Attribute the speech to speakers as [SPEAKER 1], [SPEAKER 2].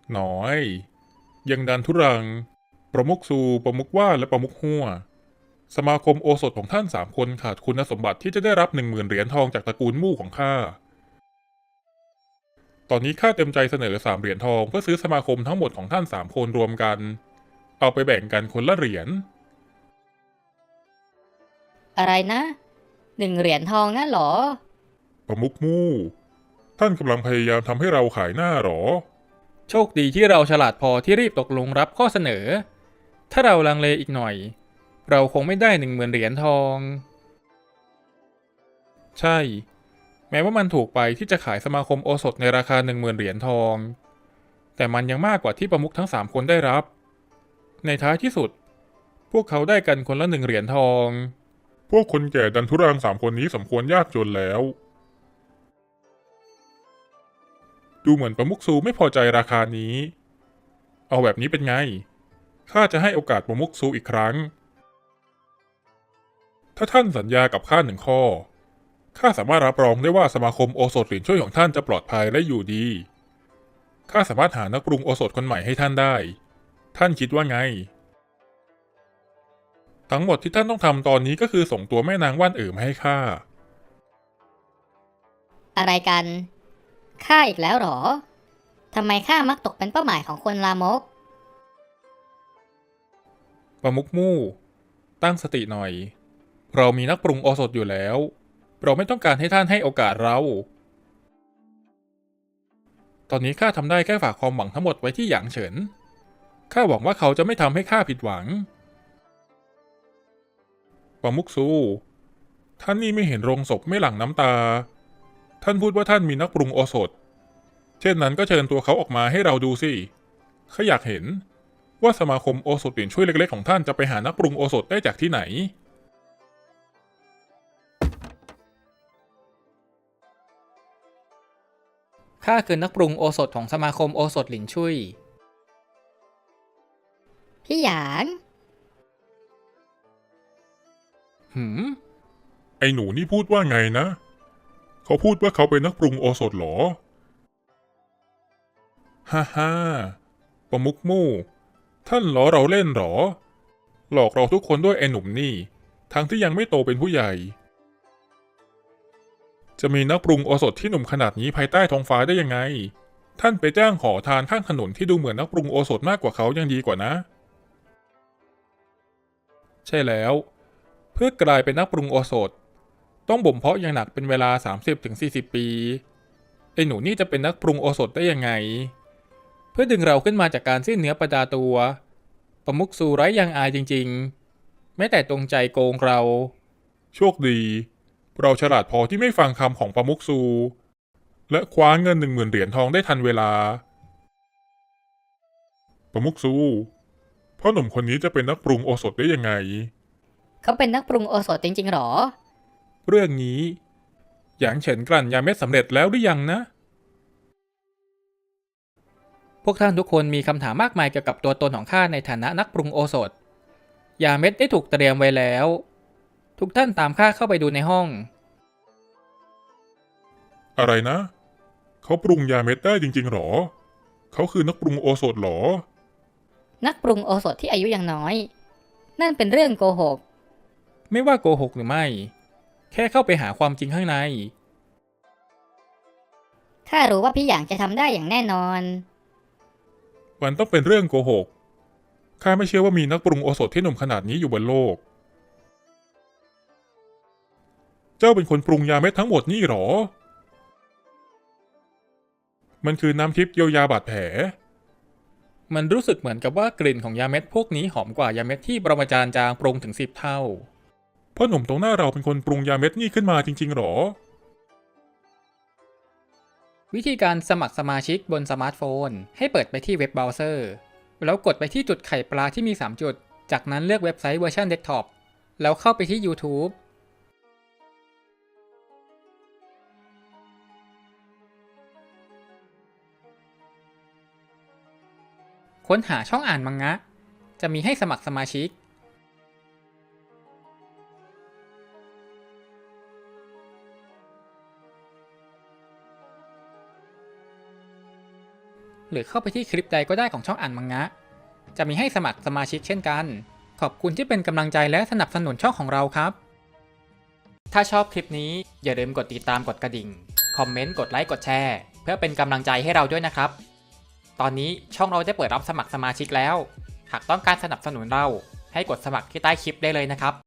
[SPEAKER 1] หน้อยยังดันทุรังประมุขซูประมุขว่าและประมุขหัวสมาคมโอสถของท่าน3 คนขาดคุณสมบัติที่จะได้รับ10,000 เหรียญทองจากตระกูลมู่ของข้าตอนนี้ข้าเต็มใจเสนอ3 เหรียญทองเพื่อซื้อสมาคมทั้งหมดของท่าน3 คนรวมกันเอาไปแบ่งกันคนละเหรียญ
[SPEAKER 2] อะไรนะ1 เหรียญทองงั้นเหรอ
[SPEAKER 1] ประมุขมู่ท่านกำลังพยายามทำให้เราขายหน้าหรอ
[SPEAKER 3] โชคดีที่เราฉลาดพอที่รีบตกลงรับข้อเสนอถ้าเราลังเลอีกหน่อยเราคงไม่ได้10,000 เหรียญทองใช่แม้ว่ามันถูกไปที่จะขายสมาคมโอสถในราคา10,000 เหรียญทองแต่มันยังมากกว่าที่ประมุขทั้ง3 คนได้รับในท้ายที่สุดพวกเขาได้กันคนละ1 เหรียญทอง
[SPEAKER 1] พวกคนแก่ดันทุรัง3 คนนี้สมควรยากจนแล้วดูเหมือนประมุขซูไม่พอใจราคานี้เอาแบบนี้เป็นไงข้าจะให้โอกาสประมุขซูอีกครั้งถ้าท่านสัญญากับข้า1 ข้อข้าสามารถรับรองได้ว่าสมาคมโอสถหลินช่วยของท่านจะปลอดภัยและอยู่ดีข้าสามารถหานักปรุงโอสถคนใหม่ให้ท่านได้ท่านคิดว่าไงทั้งหมดที่ท่านต้องทำตอนนี้ก็คือส่งตัวแม่นางว่านเอ๋อมาให้ข้า
[SPEAKER 2] อะไรกันข้าอีกแล้วเหรอทำไมข้ามักตกเป็นเป้าหมายของคนลามก
[SPEAKER 3] ประมุขมู่ตั้งสติหน่อยเรามีนักปรุงโอสถอยู่แล้วเราไม่ต้องการให้ท่านให้โอกาสเราตอนนี้ข้าทำได้แค่ฝากความหวังทั้งหมดไว้ที่หยางเฉินข้าหวังว่าเขาจะไม่ทำให้ข้าผิดหวัง
[SPEAKER 1] ประมุขซูท่านนี่ไม่เห็นโรงศพไม่หลั่งน้ำตาท่านพูดว่าท่านมีนักปรุงโอสถเช่นนั้นก็เชิญตัวเขาออกมาให้เราดูสิข้าอยากเห็นว่าสมาคมโอสถหลินช่วยเล็กๆของท่านจะไปหานักปรุงโอสถได้จากที่ไหน
[SPEAKER 3] ข้าคือนักปรุงโอสถของสมาคมโอสถหลินชุย
[SPEAKER 2] พี่หยาง
[SPEAKER 3] หืม
[SPEAKER 1] ไอ้หนูนี่พูดว่าไงนะเขาพูดว่าเขาเป็นนักปรุงโอสถเหรอฮ่าฮ่าประมุขมู่ท่านล้อเราเล่นเหรอหลอกเราทุกคนด้วยไอ้หนุ่มนี่ทั้งที่ยังไม่โตเป็นผู้ใหญ่จะมีนักปรุงโอสถที่หนุ่มขนาดนี้ภายใต้ท้องฟ้าได้ยังไงท่านไปจ้างขอทานข้างถนนที่ดูเหมือนนักปรุงโอสถมากกว่าเขายังดีกว่านะ
[SPEAKER 3] ใช่แล้วเพื่อกลายเป็นนักปรุงโอสถต้องบ่มเพาะอย่างหนักเป็นเวลา30-40 ปีไอ้หนูนี่จะเป็นนักปรุงโอสถได้ยังไงเพื่อดึงเราขึ้นมาจากการสิ้นเนื้อประดาตัวประมุขซูไร้ยางอายจริงๆแม้แต่ตรงใจโกงเรา
[SPEAKER 1] โชคดีเราฉลาดพอที่ไม่ฟังคำของประมุขซูและคว้าเงิน10,000 เหรียญทองได้ทันเวลาประมุขซูพ่อหนุ่มคนนี้จะเป็นนักปรุงโอสถได้ยังไง
[SPEAKER 2] เขาเป็นนักปรุงโอสถจริงๆหรอ
[SPEAKER 3] เรื่องนี้หยางเฉินกลั่นยาเม็ดสำเร็จแล้วหรือยังนะพวกท่านทุกคนมีคำถามมากมายเกี่ยวกับตัวตนของข้าในฐานะนักปรุงโอสถยาเม็ดได้ถูกเตรียมไว้แล้วทุกท่านตามข้าเข้าไปดูในห้อง
[SPEAKER 1] อะไรนะเขาปรุงยาเม็ดได้จริงๆหรอเขาคือนักปรุงโอสถหรอ
[SPEAKER 2] นักปรุงโอสถที่อายุยังน้อยนั่นเป็นเรื่องโกหก
[SPEAKER 3] ไม่ว่าโกหกหรือไม่แค่เข้าไปหาความจริงข้างใน
[SPEAKER 2] ข้ารู้ว่าพี่หยางจะทำได้อย่างแน่นอน
[SPEAKER 1] มันต้องเป็นเรื่องโกหกข้าไม่เชื่อว่ามีนักปรุงโอสถที่หนุ่มขนาดนี้อยู่บนโลกเจ้าเป็นคนปรุงยาเม็ดทั้งหมดนี่หรอมันคือน้ำทิพย์เยียวยาบาดแผล
[SPEAKER 3] มันรู้สึกเหมือนกับว่ากลิ่นของยาเม็ดพวกนี้หอมกว่ายาเม็ดที่ปรมาจารย์จางปรุงถึง10 เท่า
[SPEAKER 1] พ่อหนุ่มตรงหน้าเราเป็นคนปรุงยาเม็ดนี่ขึ้นมาจริงๆหรอ
[SPEAKER 3] วิธีการสมัครสมาชิกบนสมาร์ทโฟนให้เปิดไปที่เว็บเบราว์เซอร์แล้วกดไปที่จุดไข่ปลาที่มี3 จุดจากนั้นเลือกเว็บไซต์เวอร์ชันเดสก์ท็อปแล้วเข้าไปที่ YouTube ค้นหาช่องอ่านมังงะจะมีให้สมัครสมาชิกหรือเข้าไปที่คลิปใดก็ได้ของช่องอ่านมังงะ จะมีให้สมัครสมาชิกเช่นกัน ขอบคุณที่เป็นกำลังใจและสนับสนุนช่องของเราครับ ถ้าชอบคลิปนี้อย่าลืมกดติดตามกดกระดิ่ง คอมเมนต์ กดไลค์ กดแชร์ เพื่อเป็นกำลังใจให้เราด้วยนะครับ ตอนนี้ช่องเราได้เปิดรับสมัครสมาชิกแล้ว หากต้องการสนับสนุนเราให้กดสมัครที่ใต้คลิปได้เลยนะครับ